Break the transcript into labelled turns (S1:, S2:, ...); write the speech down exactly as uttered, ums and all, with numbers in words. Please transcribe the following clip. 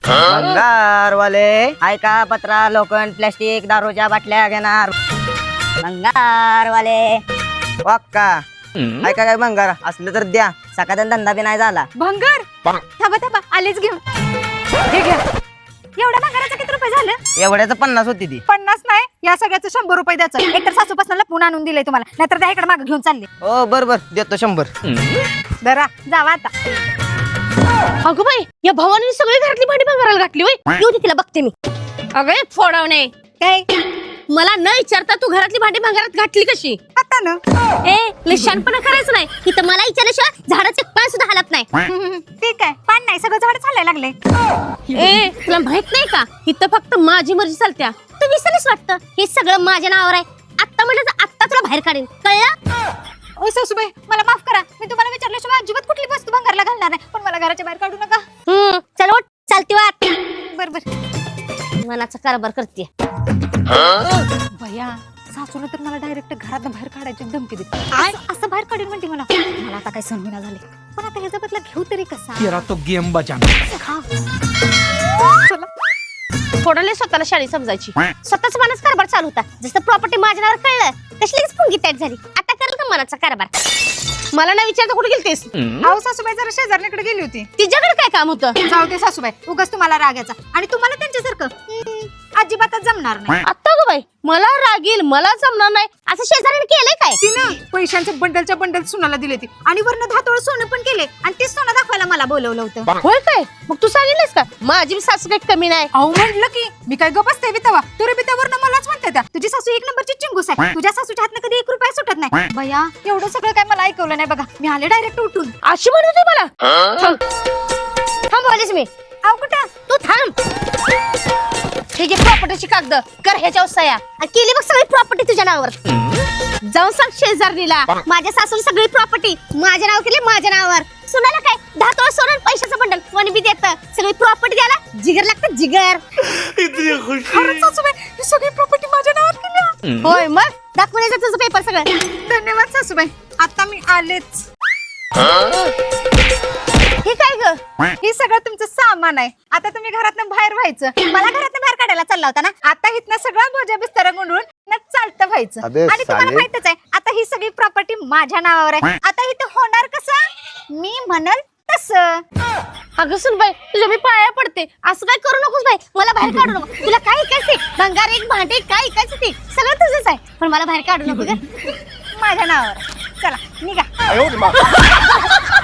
S1: भंगारवाले ऐका, पत्रा, लोखंड, प्लास्टिक, दारूच्या बाटल्या घेणार. भंगारवाले वाक्का ऐका, काय भंगार असलं तर द्या, सकाळचा धंदा बी नाही झाला.
S2: भंगार थांबा थांबा आलेच घेऊन. हे घ्या. एवढ्या भंगाराचं किती रुपये झालं?
S1: एवढ्याच पन्नास होती ती.
S2: पन्नास नाही, या सगळ्याचं शंभर रुपये द्यायचं. एकतर सासूपासून लपून आणून दिलंय तुम्हाला, नाहीतर त्या इकडे मागे घेऊन चालले.
S1: हो बर बर देतो शंभर.
S2: जरा जावा आता.
S3: अगं बाई, या भावाने सगळी घरातली भांडी भंगाराला घातली होय. येऊ दे तिला, बघते मी. अगं फोडवणे
S2: काय
S3: मला न विचारता तू घरातली भांडी भंगारात घातली कशी?
S2: आता ना
S3: ए लिशानपणा करायचं नाही. इथं मला विचारल्याशिवाय झाडाचे पान सुद्धा हलत नाही.
S2: ठीक आहे, पान नाही सगळं झाड चालायला लागले.
S3: ए तुला माहित नाही का, इथं फक्त माझी मर्जी चालत्या. तू विसरलीस वाटतं, हे सगळं माझ्या नावावर आहे. आत्ता म्हटलं तर आत्ता तुला बाहेर काढेन, कळलं?
S2: ओ सासूबाई, मला माफ करा, मी तुम्हाला विचारल्याशिवाय अजिबात कुठली वस्तू भंगारला घालणार नाही, पण मला घराच्या बाहेर काढू नका.
S3: हम्म चल उठ, चालती वाट.
S2: बर बर.
S3: मनाचा कारभार करते.
S2: भैया, सासूला तर मला डायरेक्ट घरात बाहेर काढायची धमकी देते. असं- असं बाहेर काढेल म्हणते मला. मला आता काही सहन होईना झाले, पण आता ह्याचा बदला घेऊ तरी कसा?
S4: तेरा तो गेम बजाना.
S2: चला.
S3: फोडले स्वतःला शाळी समजायची. स्वतःच मनाचा कारभार चालू होता. जसं प्रॉपर्टी माझ्या नावावर कळलं तशी लगेच पुंगी टाईट झाली. आता करेल का मनाचा कारभार? मला नाही विचारता कुठे गेलतेस?
S2: अहो सासूबाई जरा शेजारणीकडे गेली होती.
S3: तिच्याकडे काय काम होतं?
S2: जाऊ दे सासूबाई, उगाच तुम्हाला राग याचा, आणि तुम्हाला त्यांच्यासारखं हम्म, अजिबातच जमणार नाही.
S3: आता ग बाई, मला रागील, मला जमणार नाही असं शेजाऱ्याने केलंय काय?
S2: तिनं पैशांच्या बंडलच्या बंडल सुनाला दिले ती, आणि वरनं धातोळ सोनं पण केले, आणि ते सोनं दाखवायला मला बोलवलं होतं.
S3: होय काय? मग तू सांगितलंस का माझी बी सासू काही कमी नाही?
S2: अहो म्हटलं की मी काय गप बसते बितावा, तुरे बितावरनं मलाच म्हणते त्या, तुझी सासू एक नंबरची चिंगूस आहे, तुझ्या सासूच्या हातनं कधी एक रुपया सुटत नाही. भैया, एवढं सगळं काय मला ऐकवलं नाही बघा, मी आले डायरेक्ट उठून.
S3: अशी म्हणत होती मला? थांब थांब बोलायच मी.
S2: अहो कुठं?
S3: तू थांब. हे जे प्रॉपर्टीची कागद कर ह्याच्यावर सह्या, आणि केली बघ सगळी प्रॉपर्टी तुझ्या नावावर. जाऊन सांग शेजारणीला माझ्या सासून सगळी प्रॉपर्टी माझ्या नाव केली, माझ्या नावावर. सुनाला काय दहा तोळ सोनं पैशाचं बंडल कोणी बी देत, सगळी प्रॉपर्टी द्यायला जिगर लागतं, जिगर.
S2: खरंच सासूबाई, ही सगळी प्रॉपर्टी माझ्या नावावर केली.
S3: होय, मग दाखवून यायचं तुझं पेपर सगळं.
S2: धन्यवाद सासूबाई, आता मी आलेच.
S3: हे काय ग?
S2: हे सगळं तुमचं सामान आहे. आता तुम्ही घरातनं बाहेर व्हायचं. मला घरातनं बाहेर काढायला चालला होता ना, आता इथनं सगळं भोजा बिस्तारा गुंडून न चालतं व्हायचं. आणि तुम्हाला माहितच आहे, आता ही सगळी प्रॉपर्टी माझ्या नावावर आहे. आता इथं होणार कसं? मी म्हणल तसं.
S3: अगं सुन बाई, तुझ्या मी पाया पडते, असं काय करू नकोस बाई. मला बाहेर काढू नको. तुला काय ऐकायचंय? भंगार एक भांडे काय ऐकायचं ते सगळं तुझंच आहे, पण मला बाहेर काढू नको ग.
S2: माझ्या नावावर. चला निघा.